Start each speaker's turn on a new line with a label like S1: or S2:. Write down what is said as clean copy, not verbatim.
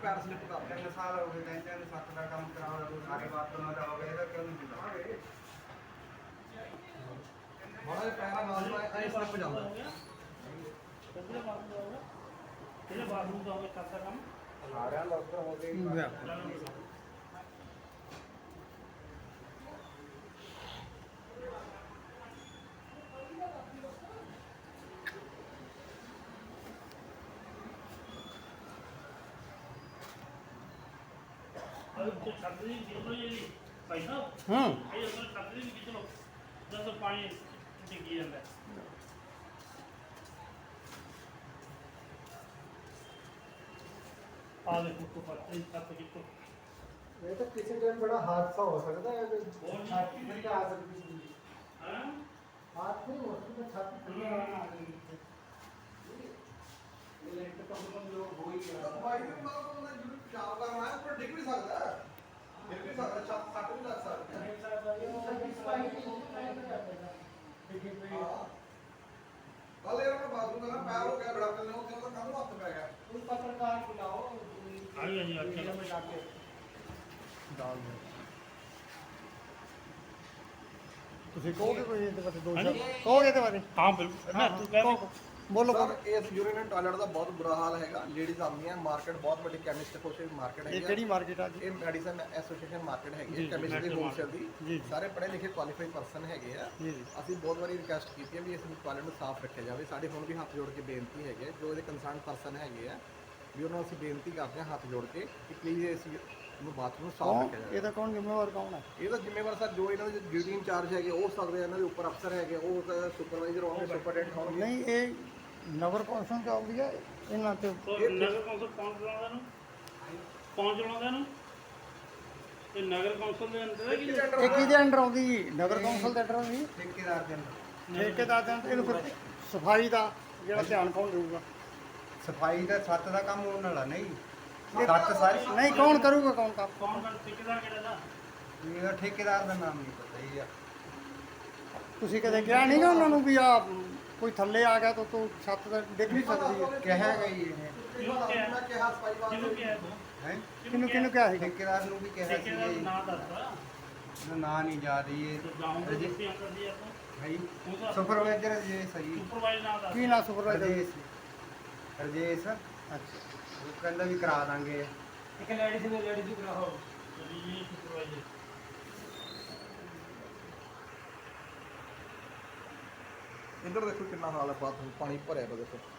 S1: ਪੈਰ ਸਲਿੱਪ ਕਰ 3 ਸਾਲ ਹੋ ਗਏ 3-7 ਦਾ ਕੰਮ ਕਰਾਉਣਾ ਤੂੰ ਸਾਰੇ ਬਾਤ ਤੋਂ ਨਾ ਜਾਓਗੇ ਇਹਦਾ ਕਿਉਂ ਨਹੀਂ ਹੁੰਦਾ ਬੜਾ ਪੈਰਾ ਮਾਰਦਾ ਐ ਸਲਿੱਪ ਜਾਂਦਾ
S2: ਕਿਹੜੇ ਬਾਥਰੂਮ ਦਾ ਹੋਵੇ ਕਰਦਾ ਕੰਮ
S1: ਸਾਰਿਆਂ ਲੋਕਾਂ ਹੋ ਗਏ
S2: तो छतरी कितना ये पैसा ये तो छतरी भी कितना 10 पानी डिग्गी है आ देखो तो पर इन छत कितो
S1: ये तो किसी टाइम बड़ा हादसा हो सकता है छत नहीं आ सकती
S2: हां
S1: हाथ नहीं हो सकता छत खुली आ गई ये लेंटर तो हम लोग हो ही गया भाई ने मतलब तो जरूर जाओ करना है पर डिग भी सकता है डिग भी सकता छत फट भी लग सकता है कल यार मैं बाथरूम का ना पैर हो गया बड़ा पहले उसके बाद कम हाथ पे गया उस पत्रकार बुलाओ
S2: आई अच्छा
S1: में जाके डाल दो
S3: ਤੁਸੀਂ ਕਹੋਗੇ ਕੋਈ ਇਹਦੇ ਬਾਰੇ ਦੋ ਸ਼ਬਦ ਕਹੋਗੇ ਇਹਦੇ ਬਾਰੇ
S2: हां बिल्कुल मैं तू कह
S3: ਬੋਲੋ
S1: ਸਰ ਇਸ ਯੂਰੀਨ ਐਂਡ ਟਾਇਲਟ ਦਾ ਬਹੁਤ ਬੁਰਾ ਹਾਲ ਹੈਗਾ ਲੇਡੀਜ਼ ਆਉਂਦੀਆਂ ਮਾਰਕੀਟ ਬਹੁਤ ਵੱਡੀ ਕੈਮਿਸਟ ਕੋਸ਼ਿਸ਼ ਮਾਰਕੀਟ
S3: ਇਹ
S1: ਹੈਗੀ
S3: ਕਿਹੜੀ ਮਾਰਕੀਟ ਆ ਜੀ
S1: ਇਹ ਮੈਡੀਸਨ ਐਸੋਸੀਏਸ਼ਨ ਮਾਰਕੀਟ ਹੈਗੀ
S3: ਜੀ,
S1: ਹੈ ਕੈਮਿਸਟ ਦੀ ਹੋਲਸੇਲ
S3: ਜੀ,
S1: ਦੀ
S3: ਜੀ।
S1: ਸਾਰੇ ਪੜ੍ਹੇ ਲਿਖੇ ਕੁਆਲੀਫਾਈਡ ਪਰਸਨ ਹੈਗੇ ਆ
S3: ਜੀ ਜੀ
S1: ਅਸੀਂ ਬਹੁਤ ਵਾਰੀ ਰਿਕੁਐਸਟ ਕੀਤੀ ਹੈ ਵੀ ਇਸ ਟਾਇਲਟ ਨੂੰ ਸਾਫ਼ ਰੱਖਿਆ ਜਾਵੇ ਸਾਡੇ ਹੁਣ ਵੀ ਹੱਥ ਜੋੜ ਕੇ ਬੇਨਤੀ ਹੈਗੀ ਹੈ ਜੋ ਇਹਦੇ ਕੰਸਰਨ ਪਰਸਨ ਹੈਗੇ ਆ ਵੀ ਉਹਨਾਂ ਨੂੰ ਅਸੀਂ ਬੇਨਤੀ ਕਰਦੇ ਹਾਂ ਹੱਥ ਜੋੜ ਕੇ ਕਿ ਪਲੀਜ਼ ਇਸ ਨੂੰ ਬਾਥਰੂਮ ਨੂੰ ਸਾਫ਼
S3: ਕੌਣ
S1: ਰੱਖਿਆ ਜਾਵੇ
S3: ਇਹਦਾ ਕੌਣ ਜ਼ਿੰਮੇਵਾਰ ਕੌਣ ਹੈ
S1: ਇਹਦਾ ਜ਼ਿੰਮੇਵਾਰ ਸਰ ਜੋ ਇਹਨਾਂ ਦੇ ਡਿਊਟੀ ਇੰਚਾਰਜ ਹੈਗੇ ਉਹ ਸਕਦੇ ਆ, ਇਹਨਾਂ ਦੇ ਉੱਪਰ ਅਫਸਰ ਹੈਗੇ ਉਹ ਸੁਪਰਵਾਈਜ਼ਰ ਹੋਣਗੇ ਸੁਪਰਡੈਂਟ ਹੋਣਗੇ
S3: ਨਹੀਂ ਇਹ ਨਗਰ ਕੌਂਸਲ ਚ ਆਉਂਦੀ ਹੈ ਇਹਨਾਂ ਤੇ
S2: तो नगर कौंसल कौन चलाਉਂਦਾ ਨੂੰ ਤੇ ਨਗਰ ਕੌਂਸਲ ਦੇ ਅੰਦਰ ਹੈ ਕਿ
S3: ਇਹ ਕਿਹਦੇ ਅੰਡਰ ਆਉਂਦੀ ਜੀ ਨਗਰ ਕੌਂਸਲ ਦੇ ਅੰਡਰ ਆਉਂਦੀ
S1: ਠੇਕੇਦਾਰ ਦੇ ਅੰਦਰ
S3: ਠੇਕੇਦਾਰ ਦੇ ਅੰਦਰ ਇਹਨੂੰ ਫਿਰ ਸਫਾਈ ਦਾ ਜਿਹੜਾ ਧਿਆਨ ਕੌਣ ਦੇਊਗਾ
S1: ਸਫਾਈ ਦਾ ਛੱਤ ਦਾ ਕੰਮ ਉਹਨਾਂ ਵਾਲਾ ਨਹੀਂ ਛੱਤ ਸਾਰੀ
S3: ਨਹੀਂ ਕੌਣ ਕਰੂਗਾ ਕੌਣ ਕੰਮ
S2: ਕੌਣ ਕਰ ਠੇਕੇਦਾਰ ਕਿਹੜਾ ਦਾ
S1: ਇਹਦਾ ਠੇਕੇਦਾਰ ਦਾ ਨਾਮ ਨਹੀਂ ਪਤਾ ਹੀ ਆ
S3: ਤੁਸੀਂ ਕਦੇ ਕਿਹਾ ਨਹੀਂਗਾ ਉਹਨਾਂ ਨੂੰ ਵੀ ਆ ਕੋਈ ਥੱਲੇ ਆ ਗਿਆ ਤਾਂ ਤੂੰ ਛੱਤ ਤੇ ਡਿੱਗ ਨਹੀਂ ਸਕਦੀ ਹੈ
S1: ਕਿਹਾ ਗਈ ਇਹ
S2: ਮੈਂ
S1: ਕਿਹਾ ਸਫਾਈ
S2: ਕਿਹਨੂੰ ਕਿਹਾ ਤੂੰ
S1: ਹੈ
S3: ਕਿਹਨੂੰ ਕਿਹਨੂੰ ਕਿਹਾ ਸੀ
S1: ਠੇਕੇਦਾਰ ਨੂੰ ਵੀ ਕਿਹਾ
S2: ਠੇਕੇਦਾਰ
S1: ਸੀ
S2: ਨਾਂ ਦੱਸ
S1: ਨਾਂ ਨਹੀਂ ਜਾ ਰਹੀ
S2: ਤੇ ਜਾਉਂਗੇ ਜਿੱਥੇ ਅੰਦਰ ਦੀ ਆਪਾਂ
S1: ਹੈ ਸੁਪਰਵਾਈਜ਼ਰ ਜੇ ਸਹੀ
S2: ਸੁਪਰਵਾਈਜ਼ਰ ਨਾਂ ਦੱਸ
S3: ਕੀ ਨਾ ਸੁਪਰਵਾਈਜ਼ਰ
S1: ਰਜੇਸ਼
S3: ਅੱਛਾ
S1: ਉਹ ਕਹਿੰਦਾ ਵੀ ਕਰਾ ਦਾਂਗੇ
S2: ਇੱਕ ਲੇਡੀਜ਼ ਵੀ ਕਰਾਓ ਜੀ ਸੁਪਰਵਾਈਜ਼ਰ
S1: ਇੱਧਰ ਦੇਖੋ ਕਿੰਨਾ ਹਾਲ ਹੈ ਬਾਥਰੂਮ ਪਾਣੀ ਭਰਿਆ ਪਿਆ ਦੇਖੋ